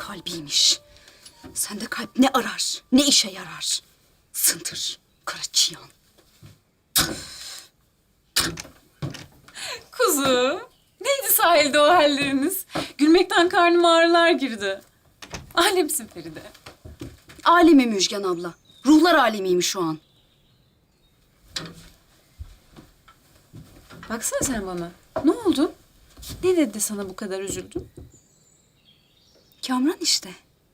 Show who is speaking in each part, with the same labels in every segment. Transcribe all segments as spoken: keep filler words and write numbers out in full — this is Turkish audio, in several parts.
Speaker 1: kalbiymiş. Sende kalp ne arar, ne işe yarar? Sıntır, kara çıyan.
Speaker 2: Kuzu, neydi sahilde o halleriniz? Gülmekten karnıma ağrılar girdi. Alemsin Feride.
Speaker 1: Alemi Müjgan abla. Ruhlar alemiymiş şu an.
Speaker 2: Baksana sen bana. Ne oldu? Ne dedi de sana bu kadar üzüldün?
Speaker 1: Kamran işte.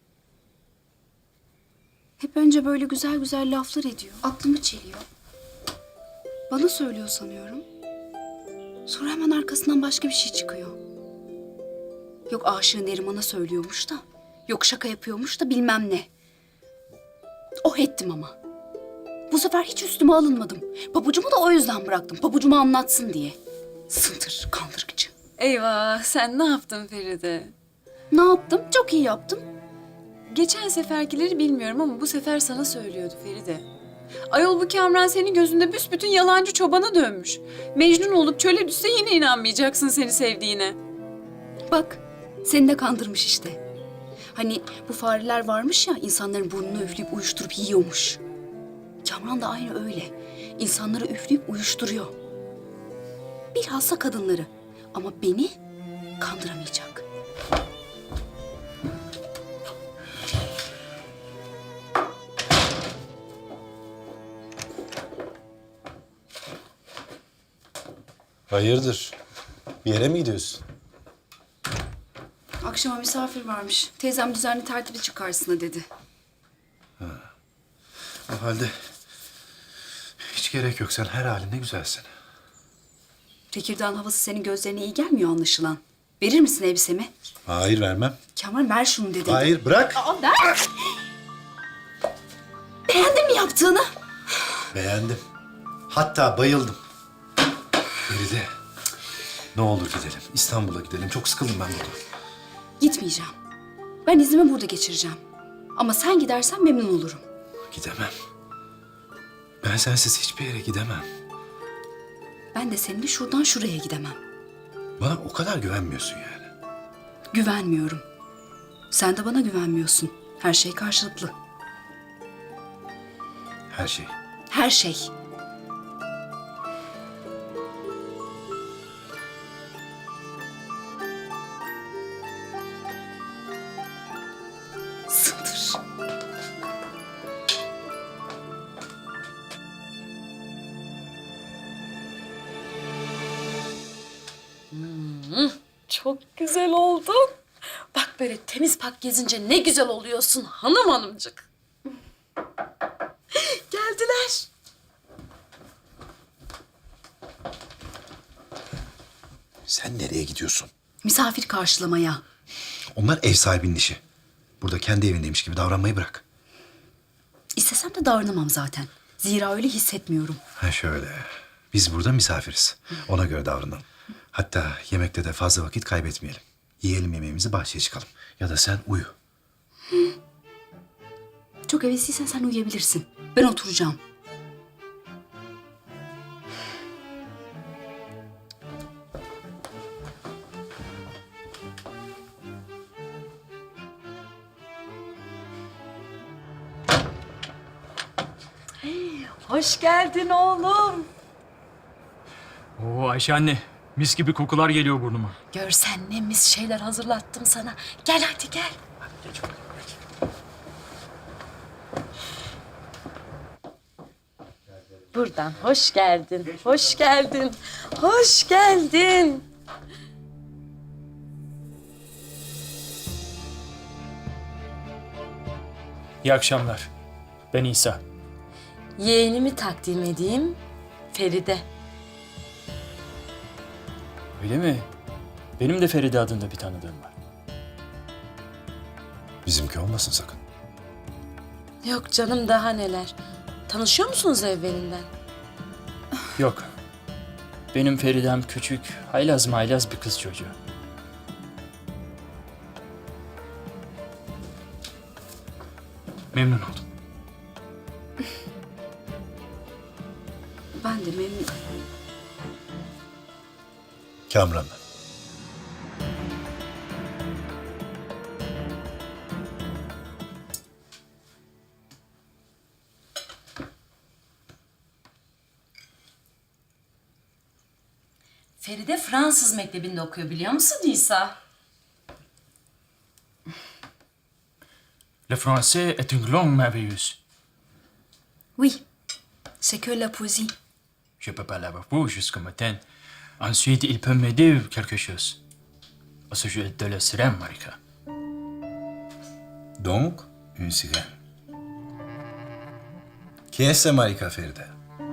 Speaker 1: Hep önce böyle güzel güzel laflar ediyor. Aklımı çeliyor. Bana söylüyor sanıyorum. Sonra hemen arkasından başka bir şey çıkıyor. Yok aşığı Neriman'a söylüyormuş da. Yok şaka yapıyormuş da bilmem ne. Oh ettim ama. Bu sefer hiç üstüme alınmadım. Pabucumu da o yüzden bıraktım. Pabucumu anlatsın diye. Sıntır, kandırıcı.
Speaker 2: Eyvah, sen ne yaptın Feride?
Speaker 1: Ne yaptım? Çok iyi yaptım.
Speaker 2: Geçen seferkileri bilmiyorum ama bu sefer sana söylüyordu Feride. Ayol bu Kamran senin gözünde büsbütün yalancı çobana dönmüş. Mecnun olup çöle düşse yine inanmayacaksın seni sevdiğine.
Speaker 1: Bak, seni de kandırmış işte. Hani bu fareler varmış ya, insanların burnunu üfleyip uyuşturup yiyormuş. Kamran da aynı öyle. İnsanları üfleyip uyuşturuyor. Bilhassa kadınları. Ama beni kandıramayacak.
Speaker 3: Hayırdır? Bir yere mi gidiyorsun?
Speaker 1: Akşama misafir varmış. Teyzem düzenli tertibi çıkarsın dedi.
Speaker 3: O halde hiç gerek yok. Sen her halinde güzelsin.
Speaker 1: Tekirdağ'ın havası senin gözlerine iyi gelmiyor anlaşılan. Verir misin elbisemi?
Speaker 3: Hayır, vermem.
Speaker 1: Kamran ver şunu dedi.
Speaker 3: Hayır, bırak.
Speaker 1: Aa, ver. Beğendin mi yaptığını?
Speaker 3: Beğendim. Hatta bayıldım. Feride, ne olur gidelim. İstanbul'a gidelim. Çok sıkıldım ben burada.
Speaker 1: Gitmeyeceğim. Ben iznimi burada geçireceğim. Ama sen gidersen memnun olurum.
Speaker 3: Gidemem. Ben sensiz hiçbir yere gidemem.
Speaker 1: Ben de seninle şuradan şuraya gidemem.
Speaker 3: Bana o kadar güvenmiyorsun yani.
Speaker 1: Güvenmiyorum. Sen de bana güvenmiyorsun. Her şey karşılıklı.
Speaker 3: Her şey.
Speaker 1: Her şey. Sındır.
Speaker 2: Çok güzel oldun. Bak böyle temiz pak gezince ne güzel oluyorsun hanım hanımcık. Geldiler.
Speaker 3: Sen nereye gidiyorsun?
Speaker 1: Misafir karşılamaya.
Speaker 3: Onlar ev sahibinin işi. Burada kendi evindeymiş gibi davranmayı bırak.
Speaker 1: İstesem de davranamam zaten. Zira öyle hissetmiyorum.
Speaker 3: Ha şöyle. Biz burada misafiriz. Ona göre davranalım. Hatta yemekte de fazla vakit kaybetmeyelim. Yiyelim yemeğimizi, bahçeye çıkalım. Ya da sen uyu.
Speaker 1: Çok hevesliysen sen uyuyabilirsin. Ben oturacağım.
Speaker 2: Hoş geldin oğlum.
Speaker 4: Oo Ayşe anne, mis gibi kokular geliyor burnuma.
Speaker 2: Görsen ne mis şeyler hazırlattım sana. Gel hadi gel. Buradan hoş geldin, hoş geldin, hoş geldin.
Speaker 4: İyi akşamlar. Ben İsa.
Speaker 2: Yeğenimi takdim edeyim, Feride.
Speaker 4: Öyle mi? Benim de Feride adında bir tanıdığım var.
Speaker 3: Bizimki olmasın sakın.
Speaker 2: Yok canım daha neler. Tanışıyor musunuz evvelinden?
Speaker 4: Yok. Benim Feridem küçük, haylaz maylaz bir kız çocuğu. Memnun oldum.
Speaker 1: Ben de memnun...
Speaker 3: Kamran ben.
Speaker 5: Feride Fransız mektebinde okuyor biliyor musun Nisa?
Speaker 4: Le français est une langue merveilleuse.
Speaker 1: Oui, c'est que la poésie.
Speaker 4: Je peux pas l'avoir pour jusqu'au matin. Ensuite, il peut m'aider quelque chose. Au sujet de la sirène, Marika.
Speaker 3: Donc, une sirène. Qui est ce Marika Feride?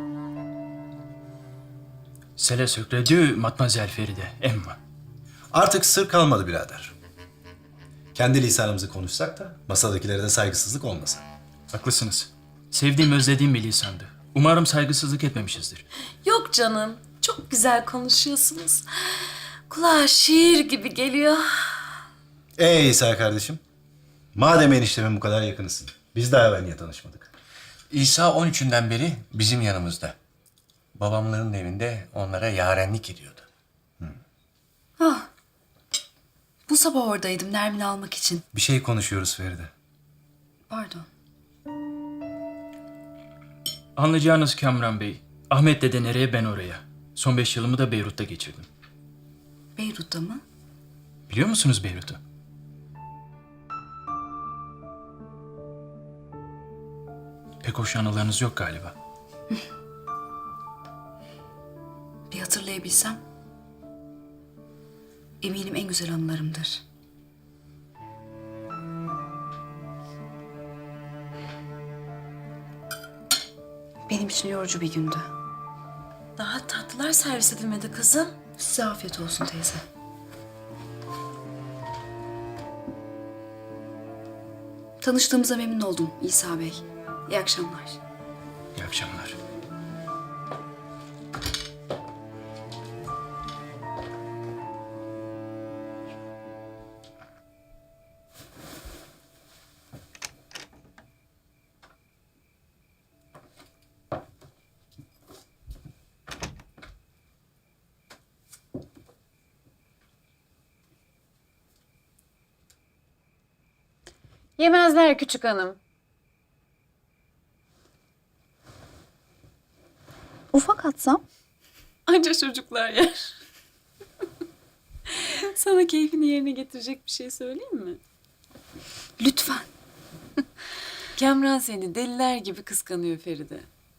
Speaker 4: C'est le secret de Mademoiselle Feride, Emma.
Speaker 3: Artık sır kalmadı birader. Kendi lisanımızı konuşsak da masadakilere de saygısızlık olmasın.
Speaker 4: Haklısınız. Sevdiğim, özlediğim bir lisandı. Umarım saygısızlık etmemişizdir.
Speaker 5: Yok canım. Çok güzel konuşuyorsunuz. Kulağa şiir gibi geliyor.
Speaker 3: Ey İsa kardeşim. Madem eniştemin bu kadar yakınısın. Biz daha evvel niye tanışmadık?
Speaker 6: İsa on üçünden beri bizim yanımızda. Babamların evinde onlara yarenlik ediyordu.
Speaker 1: Ah, bu sabah oradaydım Nermin'i almak için.
Speaker 3: Bir şey konuşuyoruz Feride.
Speaker 1: Pardon.
Speaker 4: Anlayacağınız Kamran Bey, Ahmet dede nereye ben oraya. Son beş yılımı da Beyrut'ta geçirdim.
Speaker 1: Beyrut'ta mı?
Speaker 4: Biliyor musunuz Beyrut'u? Pek hoş anılarınız yok galiba.
Speaker 1: Bir hatırlayabilsem. Eminim en güzel anılarımdır. Benim için yorucu bir gündü.
Speaker 5: Daha tatlılar servis edilmedi kızım.
Speaker 1: Size afiyet olsun teyze. Tanıştığımıza memnun oldum İsa Bey. İyi akşamlar.
Speaker 4: İyi akşamlar.
Speaker 2: Yemezler küçük hanım.
Speaker 1: Ufak atsam?
Speaker 2: Anca çocuklar yer. Sana keyfini yerine getirecek bir şey söyleyeyim mi?
Speaker 1: Lütfen.
Speaker 2: Kamran seni deliler gibi kıskanıyor Feride.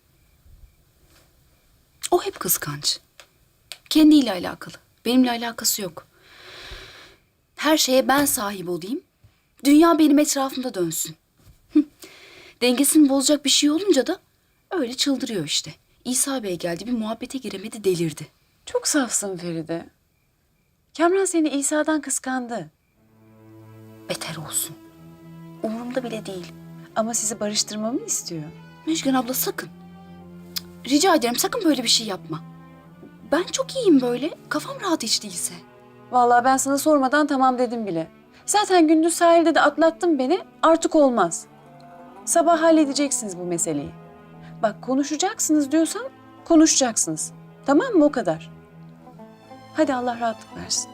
Speaker 1: O hep kıskanç. Kendiyle alakalı. Benimle alakası yok. Her şeye ben sahip olayım. Dünya benim etrafımda dönsün. Dengesini bozacak bir şey olunca da öyle çıldırıyor işte. İsa Bey geldi, bir muhabbete giremedi, delirdi.
Speaker 2: Çok safsın Feride. Kamran seni İsa'dan kıskandı.
Speaker 1: Beter olsun. Umurumda bile değil.
Speaker 2: Ama sizi barıştırmamı istiyor.
Speaker 1: Müjgan abla sakın. Cık, rica ederim sakın böyle bir şey yapma. Ben çok iyiyim böyle. Kafam rahat hiç değilse.
Speaker 2: Vallahi ben sana sormadan tamam dedim bile. Zaten gündüz sahilde de atlattın beni, artık olmaz. Sabah halledeceksiniz bu meseleyi. Bak konuşacaksınız diyorsam konuşacaksınız. Tamam mı, o kadar. Hadi Allah rahatlık versin.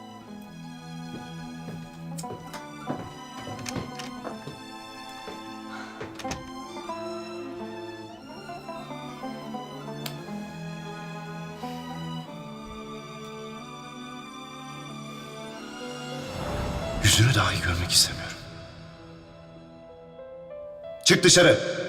Speaker 3: Yüzünü dahi görmek istemiyorum. Çık dışarı.